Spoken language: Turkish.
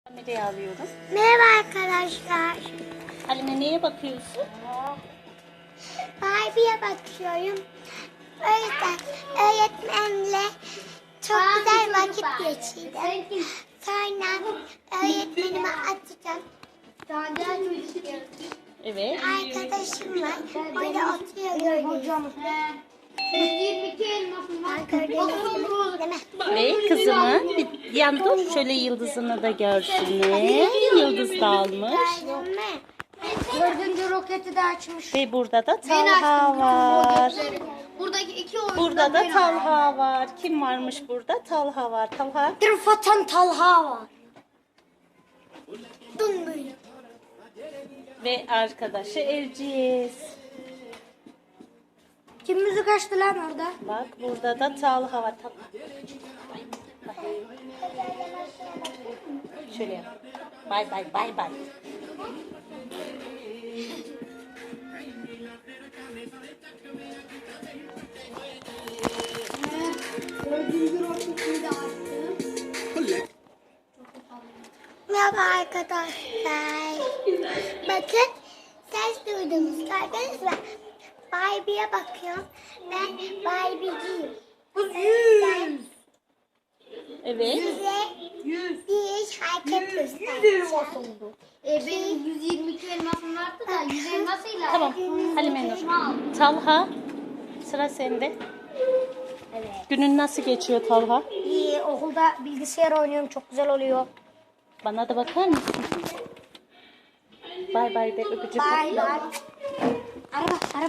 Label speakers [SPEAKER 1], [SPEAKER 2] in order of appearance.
[SPEAKER 1] Kamerayı alıyorum.
[SPEAKER 2] Merhaba arkadaşlar.
[SPEAKER 1] Halime neye bakıyorsun?
[SPEAKER 2] Barbie'ye bakıyorum. O yüzden öğretmenle çok güzel vakit geçirdim. Sonra öğretmenime atacağım.
[SPEAKER 1] Evet.
[SPEAKER 2] Arkadaşım var. Orada oturuyor hocam. 122 elmasım var. Değil mi?
[SPEAKER 1] Ve kızımın bir yan dur şöyle yıldızını da görsünler. Yıldız da almış.
[SPEAKER 2] Değil mi? 4. roketi de açmış.
[SPEAKER 1] Ve burada da Talha var.
[SPEAKER 2] Buradaki iki oyuncu
[SPEAKER 1] Burada da Talha var. Kim varmış burada? Talha var. Talha.
[SPEAKER 2] Tırfatan Talha var. Dün böyle.
[SPEAKER 1] Ve arkadaşı Erciyes.
[SPEAKER 2] Kim müzik açtı lan orada?
[SPEAKER 1] Bak burada da Talha var. Talha. Bay bay. Şöyle yap. Bay bay bay bay.
[SPEAKER 2] Merhaba arkadaşlar. Bakın ses duydunuz gördünüz mü? Barbie'ye bakıyorum. Ben Barbie'ciyim.
[SPEAKER 1] Evet.
[SPEAKER 2] Size bir hareket göstereceğim.
[SPEAKER 3] Benim 122 elmasım vardı da 100 elmasıyla.
[SPEAKER 1] Tamam. Halime Nur. Talha. Sıra sende.
[SPEAKER 2] Evet.
[SPEAKER 1] Günün nasıl geçiyor Talha?
[SPEAKER 2] İyi, okulda bilgisayar oynuyorum, çok güzel oluyor.
[SPEAKER 1] Bana da bakar mısın? Bay bay de öpücük.
[SPEAKER 2] Bye bye. Araba.